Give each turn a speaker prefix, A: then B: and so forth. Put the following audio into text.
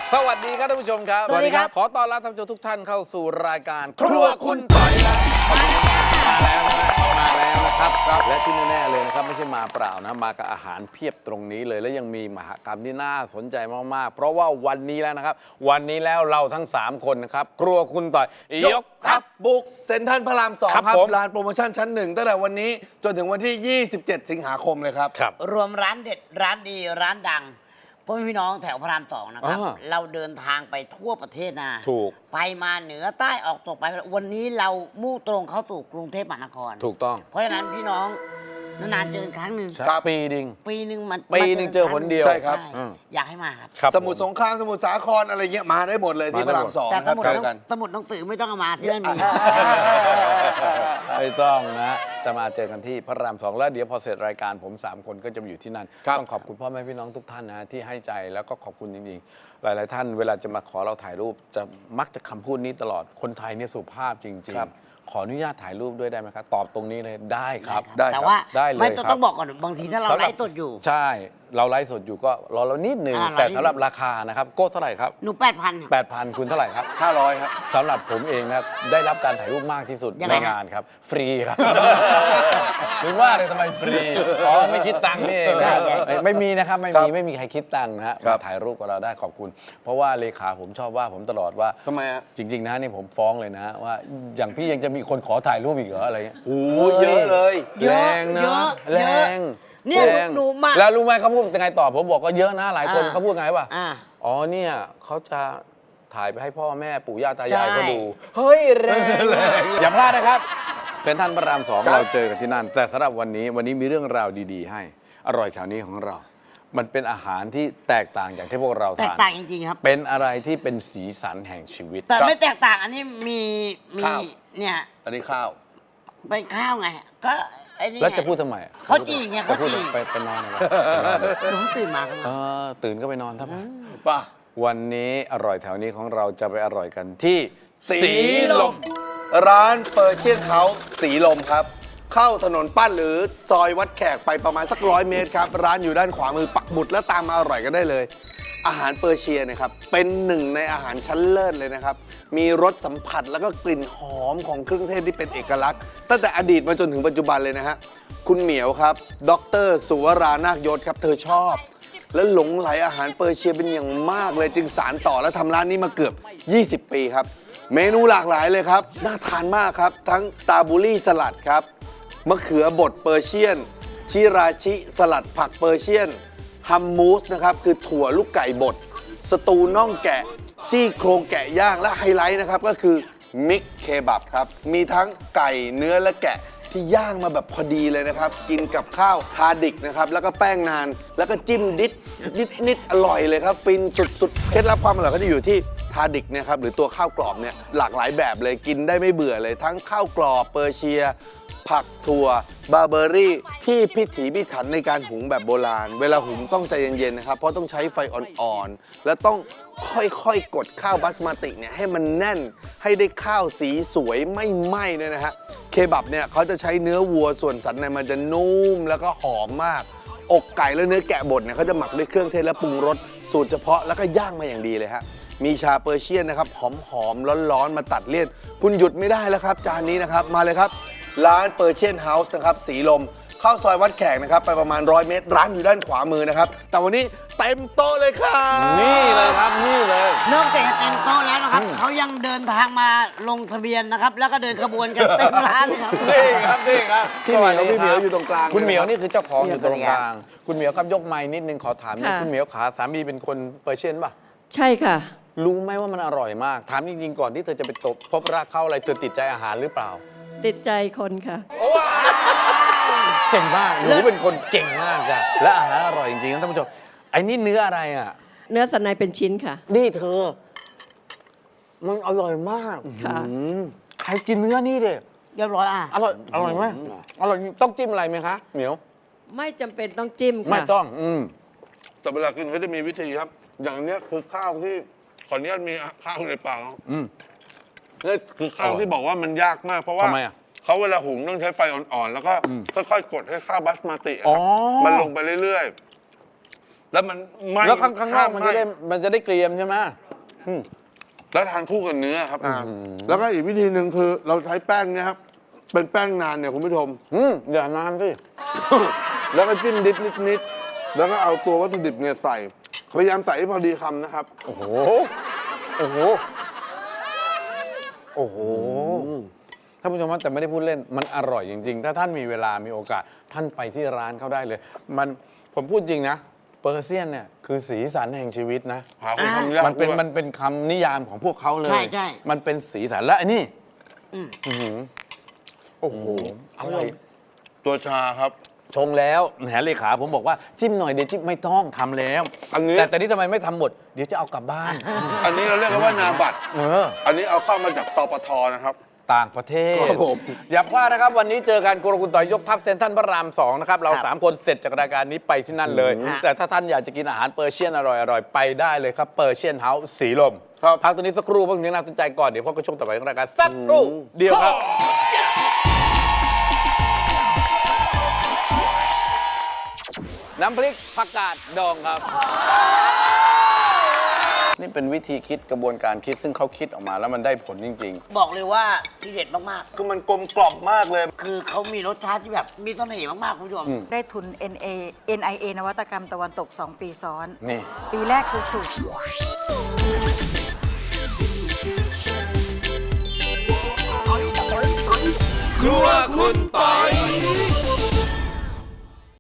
A: สวัสดีครับท่านผู้ชมครับ
B: สวัสดีครับ
A: ขอต้อนรับท่านผู้ชมทุกท่านเข้าสู่รายการครัวคุณต่อยครับมาแล้วนะครับและที่แน่ๆเลยนะครับไม่ใช่มาเปล่านะมากับอาหารเพียบตรงนี้เลยและยังมีมหกรรมที่น่าสนใจมากๆเพราะว่าวันนี้แล้วนะครับวันนี้แล้วเราทั้ง3คนนะครับครัวคุณต่อยยกทัพ
C: บุกเซ็นทรัลพระราม2
A: ครับ
C: ครับ
A: ผม
C: ร้านโปรโมชั่นชั้น1ตั้งแต่วันนี้จนถึงวันที่ 27 สิงหาคมเลยครับ
A: ครับ
B: รวมร้านเด็ดร้านดีร้านดังพ่อแม่พี่น้องแถวพระราม2นะครับ
A: อ่า
B: เราเดินทางไปทั่วประเทศนะ
A: ถูก
B: ไปมาเหนือใต้ออกตกไปวันนี้เรามุ่งตรงเข้าสู่กรุงเทพมหานคร
A: ถูกต้อง
B: เพราะฉะนั้นพี่น้องนานๆเจอกันครั้งหนึ่ง
C: ครับ
A: ปีดิง
B: ปีหนึ่งมัน
A: ปีหนึ่งเจอหนเดียว
C: ใช่ครับ
B: ใช่อยากให้มาครับ
A: ครับ
C: สมุทรสงครามสมุทรสาครอะไรเงี้ยมาได้หมดเลยที่พระราม2
B: แต่
C: นะครับเจอกัน
B: สมุดหนังสือไม่ต้องเอามาที่นั่นมี
A: ไม่ต้องนะจะมาเจอกันที่พระราม2แล้วเดี๋ยวพอเสร็จรายการผม3คนก็จะไปอยู่ที่นั่น
C: ครับ
A: ต้องขอบคุณพ่อแม่พี่น้องทุกท่านนะที่ให้ใจแล้วก็ขอบคุณจริงๆหลายๆท่านเวลาจะมาขอเราถ่ายรูปจะมักจะคำพูดนี้ตลอดคนไทยเนี่ยสุภาพจริง
C: ครับ
A: ๆ ขออนุญาตถ่ายรูปด้วยได้ไหมครับตอบตรงนี้เลยได้ครับ
C: ได้ครับ
B: แต่ว่า
A: ได้เลย
B: ไม่
A: ครับ
B: ต้องบอกก่อนบางทีถ้าเราไลฟ์สดอยู่
A: ใช่เราไลฟ์สดอยู่ก็รอเรานิดนึง
B: อ่า
A: แต่
B: รอนิดนึง
A: สำหรับราคานะครับโก้เท่าไหร่ครับ
B: หนู8,000
A: 8,000 คุณเท่าไหร่ครับ
C: 500 ครับ
A: สำหรับผมเองนะได้รับการถ่ายรูปมากที่สุด
B: ยัง
A: ใน
B: ไงครับ
A: งานครับ ฟรีครับ ถึงว่าเลยทำไมฟรีอ๋อไม่คิดตังค์นี่เองนะไม่มีนะครับไม่
C: ครั
A: มี
C: บ
A: ไม่มีใครคิดตังค์นะฮะ
C: ครั
A: มา
C: บ
A: ถ่ายรูปกับเราได้ขอบคุณ เพราะว่าเลขาผมชอบว่าผมตลอดว่า
C: ทำไมฮะ
A: จริง ๆ นะนี่ผมฟ้องเลยนะว่าอย่างพี่ยังจะมีคนขอถ่ายรูปอีกเหรออะไรเงี้ย
C: โอ้ยเยอะเลย
A: แรงนะ
B: เยอะ
A: แร
B: เยอะ
A: ง
B: เนี่ย
A: แรง
B: หนูมา
A: แล้วรู้ไหมเขาพูดยังไงต่อผมบอกก็เยอะนะหลายคน
B: อ่า
A: เขาพูดไงป่ะ
B: อ่า
A: อ๋อเนี่ยเขาจะถ่ายไปให้พ่อแม่ปู่ย่าตายาย
B: ใช่
A: เขาดู เฮ้ยแรงอย่าพลาดนะครับเซ็นทรัลพระราม2
C: ครับ
A: เราเจอกันที่นั่น แต่สำหรับวันนี้มีเรื่องราวดีๆ ให้อร่อยแถวนี้ของเรา มันเป็นอาหารที่แตกต่างจากที่พวกเรา
B: แตก
A: ทาน
B: ต่างจริงๆครับ
A: เป็นอะไรที่เป็นสีสันแห่งชีวิต
B: แต่ไม่แตกต่างอันนี้มี
C: ข้าว
B: เนี่ย
C: อันนี้ข้าว
B: เป็นข้าวไง ก็ไอ้นี่
A: แล้วจะพูดทำไม
B: เขาจีไงเขา
A: จะพูด
B: จี
A: ไปนอนเลย
B: หนูตื่นมาครับ
A: ตื่นก็ไปนอนทับ
C: ป่ะ
A: วันนี้อร่อยแถวนี้ของเราจะไปอร่อยกันที่
C: สีลม ร้านเปอร์เชียนเฮาส์สีลมครับ เข้าถนนปั้นหรือซอยวัดแขกไปประมาณสัก100 เมตรครับ ร้านอยู่ด้านขวามือปักหมุดแล้วตามมาอร่อยกันได้เลย อาหารเปอร์เชียนะครับ เป็นหนึ่งในอาหารชั้นเลิศเลยนะครับ มีรสสัมผัสแล้วก็กลิ่นหอมของเครื่องเทศที่เป็นเอกลักษณ์ ตั้งแต่อดีตมาจนถึงปัจจุบันเลยนะฮะ คุณเหมียวครับ ดรสุวรานาคยศครับ เธอชอบ และหลงไหลอาหารเปอร์เชียเป็นอย่างมากเลยจึงสารต่อและทำร้านนี้มาเกือบ 20 ปีครับ เมนูหลากหลายเลยครับ น่าทานมากครับ ทั้งตาบูรี่สลัดครับ มะเขือบดเปอร์เชียน ชิราชิ สลัดผักเปอร์เชียน ฮัมมูสนะครับ คือถั่วลูกไก่บด สตูน่องแกะ ซี่โครงแกะย่าง และไฮไลท์นะครับ ก็คือมิกเคบับครับ มีทั้งไก่เนื้อและแกะที่ย่างมาแบบพอดีเลยนะครับ กินกับข้าวทาดิกนะครับ แล้วก็แป้งนาน แล้วก็จิ้มนิดอร่อยเลยครับ ฟินสุดๆ เคล็ดลับความอร่อยก็จะอยู่ที่ทาดิกเนี่ยครับหรือตัวข้าวกรอบเนี่ยหลากหลายแบบเลยกินได้ไม่เบื่อเลย ทั้งข้าวกรอบเปอร์เชีย ผักถั่วบาร์เบอรี่ที่พิถีพิถันในการหุงแบบโบราณ เวลาหุงต้องใจเย็นๆนะครับ เพราะต้องใช้ไฟอ่อนๆ และต้องค่อยๆ กดข้าวบาสมาติเนี่ยให้มันแน่นให้ได้ข้าวสีสวยไม่ไหม้ด้วยนะฮะเคบับเนี่ยเขาจะใช้เนื้อวัวส่วนสันในมันจะนุ่มแล้วก็หอมมาก อกไก่และเนื้อแกะบดเนี่ยเขาจะหมักด้วยเครื่องเทศและปรุงรสสูตรเฉพาะแล้วก็ย่างมาอย่างดีเลยฮะมีชาเปอร์เชียนนะครับหอมๆร้อนๆมาตัดเลี่ยนคุณหยุดไม่ได้แล้วครับจานนี้นะครับมาเลยครับ ร้านเปอร์เชียนเฮาส์นะครับสีลมเข้าซอยวัดแขกนะครับไปประมาณ100 เมตร ร้านอยู่ด้านขวามือนะครับ แต่วันนี้เต็มโต๊ะเลยครับ
A: นี่เลยครับนี่เลย
B: นอกจากจะเต็มโต๊ะแล้วนะครับ เขายังเดินทางมาลงทะเบียนนะครับ แล้วก็เดินขบวนกันเต็มร้านเลยครับ
A: นี่ครับนี่ครับ
C: พี่เหมียวพี่เหมียวอยู่ตรงกลาง
A: คุณเหมียว
C: เลยนะครับ
A: นี่คือเจ้าของอยู่ตรงกลาง คุณเหมียวครับยกไม้นิดนึงขอถามนิด
D: ค่ะ
A: คุณเหมียวขาสามีเป็นคนเปอร์เชียนป่ะ
D: ใช่ค่ะ
A: รู้ไหมว่ามันอร่อยมาก ถามจริงๆก่อนที่เธอจะไปพบรักเขาอะไรเธอติดใจอาหารหรือเปล่า
D: ติดใจคนค่ะ
A: เก่งมากหนูเป็นคนเก่งมากจ้ะและอาหารอร่อยจริงๆนะท่านผู้ชมไอ้นี่เนื้ออะไรอ่ะ
D: เนื้อสันในเป็นชิ้นค่ะ
A: นี่เธอ มันอร่อยมาก
D: ค่ะ
A: ใครกินเนื้อนี่เด็
B: เรียบร้อยอ่ะ
A: อร่อยอร่อยไหมอร่อยต้องจิ้มอะไรไหมคะเหมียว
D: ไม่จำเป็นต้องจิ้มค่ะ
A: ไม่ต้อง
C: แต่เวลากินเขาจะมีวิธีครับ อย่างเนี้ยคือข้าวที่ขออนุญาตมีข้าวในปากนี่คือข้าวที่บอกว่ามันยากมากเพราะว่า
A: ทำไมอ่ะ
C: เขาเวลาหุงต้องใช้ไฟอ่อนๆ แล้วก็ค่อยๆ กดให้ข้าวบาสมาติอะ
A: อ๋
C: ค
A: อ
C: รับมันลงไปเรื่อยๆ
E: แล้วมันไหม้
A: แล้วข้างนอกมันจะได้เกรียมใช่ไหม
E: แล้วทานคู่กับเนื้อครับ
C: แล้วก็อีกวิธีหนึ่งคือเราใช้แป้งเนี่ยครับ เป็นแป้งนานเนี่ยคุณผู้ชม
A: อย่านานสิ
C: แล้วก็จิ้มดิบนิดๆแล้วก็เอาตัววัตถุดิบเนี่ยใส่ พยายามใส่ให้พอดีคำนะครับ
A: โอ้โห โอ้โห โอ้โห ท่านผู้ชมว่าแต่ไม่ได้พูดเล่น มันอร่อยจริง ๆ ถ้าท่านมีเวลามีโอกาส ท่านไปที่ร้านเขาได้เลย ผมพูดจริงนะ เปอร์เซียนเนี่ยคือสีสันแห่งชีวิตนะ
E: หาคนทำยาก
A: มันเป็น
E: ด้วย
A: มันเป็นคำนิยามของพวกเขาเลย
B: ใช่
A: มันเป็นสีสันและอันนี้
B: อืม
A: อื้อหือโอ้โห อร่อย
E: ตัวชาครับ
A: ชงแล้วแหนเลขาผมบอกว่าจิ้มหน่อยเดี๋ยวจิ้มไม่ต้องทำแล้ว
E: อันนี้
A: แต่นี่ทำไมไม่ทำหมด เดี๋ยวจะเอากลับบ้าน
E: อันนี้เราเรียกกันว่านาบัตร
C: อันนี้เอาเข้ามาจากตปทนะครับ
A: ต่างประเทศ
C: ครับผม
A: อย่าพลาดนะครับ วันนี้เจอกันครัวคุณต่อยยกทัพเซ็นทรัลพระราม 2 นะครับ เรา
B: ครับ
A: 3 คนเสร็จจากรายการนี้ไปที่นั่นเลย แต่ถ้าท่านอยากจะกินอาหารเปอร์เชียนอร่อยๆ ไปได้เลยครับเปอร์เชียนเฮาส์สีลมพักตัวนี้สักครู่เพื่อถึงน่าสนใจก่อน เดี๋ยวพบกับช่วงต่อไปของรายการสักครู่เดียวครับ น้ำพริกผักกาดดองครับ นี่เป็นวิธีคิดกระบวนการคิดซึ่งเขาคิดออกมาแล้วมันได้ผลจริง
B: บอกเลยว่าที่เด็ดมาก
C: คือมันกลมกล่อมมากเลย
B: ๆ คือเขามีรสชาติที่แบบมีเสน่ห์มากๆคุณผู้ชม
F: ได้ทุน NIA นวัตกรรมตะวันตก 2 ปีซ้อน
A: ๆ นี่
F: ปีแรกคือสูตร
A: ครัวคุณปอย